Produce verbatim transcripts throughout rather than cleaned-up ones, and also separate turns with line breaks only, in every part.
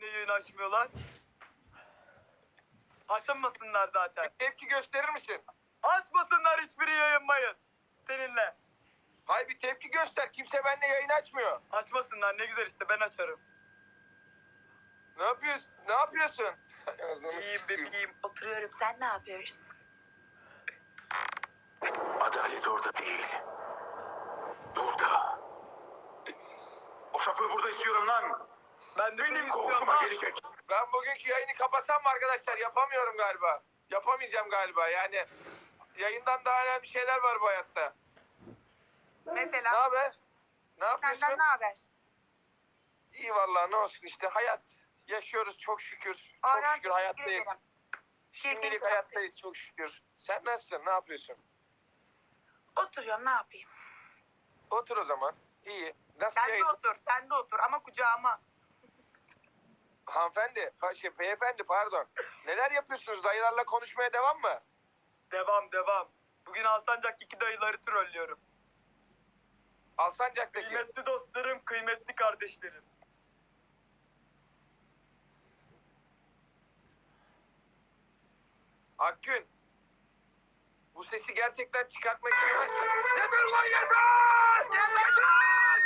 benimle yayın açmıyorlar? Açamasınlar zaten.
Tepki gösterir misin?
Açmasınlar hiçbiri yayınmayın. Seninle.
Hayır, bir tepki göster. Kimse benimle yayın açmıyor.
Açmasınlar ne güzel işte ben açarım.
Ne yapıyorsun? Ne yapıyorsun? Ağzını
İyiyim
sıkayım.
bebeğim.
Oturuyorum. Sen ne yapıyorsun?
Adalet orada değil. Burada. O sapığı burada istiyorum lan.
Ben de seni
Benim
istiyorum
koltuğuma
ha.
gelecek.
Ben bugünkü yayını kapatsam mı arkadaşlar? Yapamıyorum galiba. Yapamayacağım galiba. Yani yayından daha önemli şeyler var bu hayatta. Ne
Mesela
haber? Ne yapıyorsun?
senden ne haber?
İyi vallahi, ne olsun işte, hayat. Yaşıyoruz çok şükür. Çok
Orhan,
şükür
teşekkür
hayattayız.
ederim.
Şimdilik
Şirketim
hayattayız çok şükür. Sen nasılsın? Ne yapıyorsun?
Oturuyorum. Ne yapayım?
Otur o zaman. İyi. Nasıl
Sen de
yayın?
otur. Sen de otur ama kucağıma.
Hanımefendi, pa- şey, beyefendi pardon. Neler yapıyorsunuz? Dayılarla konuşmaya devam mı?
Devam devam. Bugün Alsancak iki dayıları trollüyorum.
Alsancak'taki.
Kıymetli dostlarım, kıymetli kardeşlerim.
Akgün. Bu sesi gerçekten çıkartmak istemezsin. Yeter lan yeter! Yeter!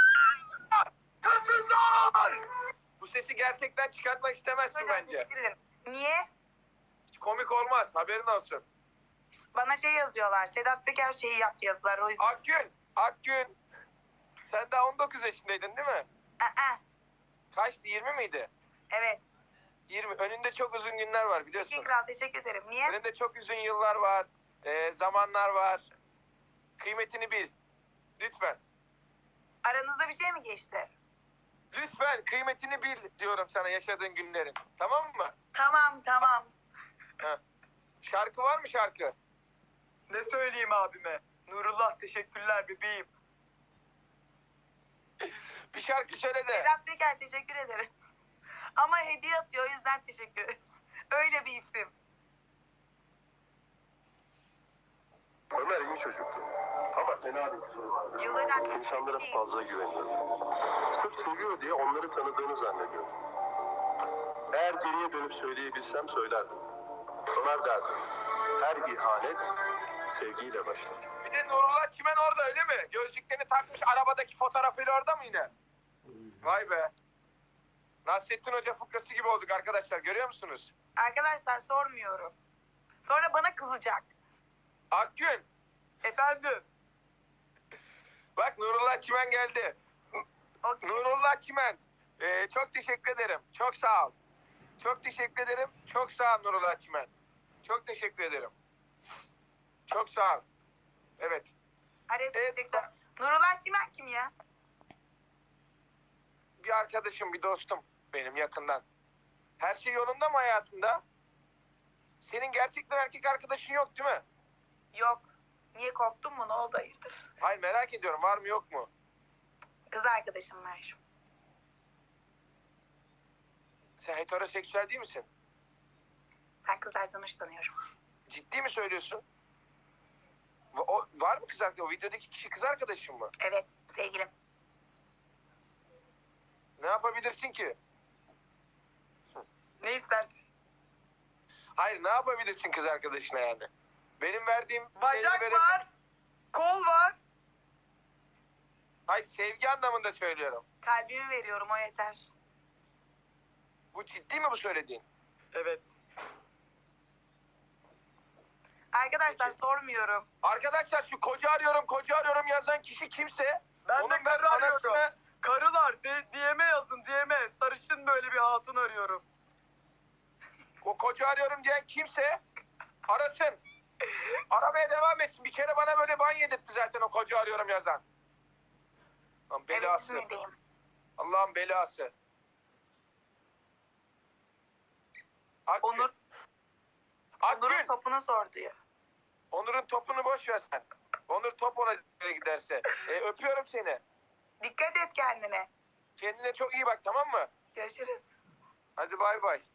Hırsızlar! Bu sesi gerçekten çıkartmak istemezsin
Hocam
bence.
teşekkür ederim. Niye?
Hiç komik olmaz, haberin olsun.
Bana şey yazıyorlar. Sedat Peker şeyi yaptı yazılar. O yüzden.
Akgün, Akgün. Sen daha on dokuz yaşındaydın değil mi?
Aa,
Kaçtı, yirmi miydi?
evet.
yirmi. Önünde çok uzun günler var biliyorsun.
Teşekkür ederim. Teşekkür ederim. Niye?
Önünde çok uzun yıllar var. e, zamanlar var. Kıymetini bil. Lütfen.
Aranızda bir şey mi geçti?
Lütfen kıymetini bil diyorum sana yaşadığın günlerin. Tamam mı?
Tamam tamam.
Şarkı var mı şarkı?
Ne söyleyeyim abime? Nurullah teşekkürler bebeğim.
Bir şarkı söyle de.
Sedat Peker teşekkür ederim. Ama hediye atıyor o yüzden teşekkür ederim. Öyle bir isim.
Ömer iyi çocuktu. Ama fena bir kusuru vardı.
Yıldıran
İnsanlara fazla güveniyordu. Sırf seviyor diye onları tanıdığını zannediyordu. Eğer geriye dönüp söyleyebilsem söylerdim. Ömer derdi. Her ihanet sevgiyle başlar.
Bir de Nurullah Çimen orada öyle mi? Gözlüklerini takmış, arabadaki fotoğrafıyla orada mı yine? Vay be. Nasrettin Hoca fıkrası gibi olduk arkadaşlar, görüyor musunuz?
Arkadaşlar sormuyorum. Sonra bana kızacak.
Akgün.
Efendim?
Bak Nurullah Çimen geldi.
Okey.
Nurullah Çimen. Ee, çok teşekkür ederim. Çok sağ ol. Çok teşekkür ederim. Çok sağ ol Nurullah Çimen. Çok teşekkür ederim. Çok sağ ol. Evet.
Ares
Evet,
teşekkürler. Nurullah Çimen kim ya?
Bir arkadaşım, bir dostum benim yakından. Her şey yolunda mı hayatında? Senin gerçekten erkek arkadaşın yok değil mi?
Yok. Niye korktun mu? Ne oldu hayırdır?
Hayır, merak ediyorum, var mı yok mu?
Kız arkadaşım var.
Sen heteroseksüel değil misin?
Ben kızlardan hoşlanıyorum.
Ciddi mi söylüyorsun? Va- O, var mı kız arkadaşı? O videodaki kişi kız arkadaşın mı?
Evet sevgilim.
Ne yapabilirsin ki?
Ne istersin?
Hayır, ne yapabilirsin kız arkadaşına yani? Benim verdiğim...
Bacak
şeyi verebil-
var. Kol var.
Hayır, sevgi anlamında söylüyorum.
Kalbimi veriyorum o yeter.
Bu ciddi mi bu söylediğin?
Evet.
Arkadaşlar
Peki.
sormuyorum.
Arkadaşlar şu koca arıyorum, koca arıyorum yazan kişi kimse...
Ben de
onun
karı arıyorum.
anasını-
Karılar de, D M'e yazın D M'e. Sarışın böyle bir hatun arıyorum.
O koca arıyorum diyen kimse arasın. Aramaya devam etsin. Bir kere bana böyle ban yedirtti zaten o koca arıyorum yazan. Lan
Evet
belası.
İzmir'deyim.
Allah'ın belası. Akgün.
Onur,
Akgün.
Onur'un topunu sor diyor.
Onur'un topunu boş ver sen. Onur top ona giderse. E, öpüyorum seni.
Dikkat et kendine.
Kendine çok iyi bak, tamam mı?
Görüşürüz.
Hadi bay bay.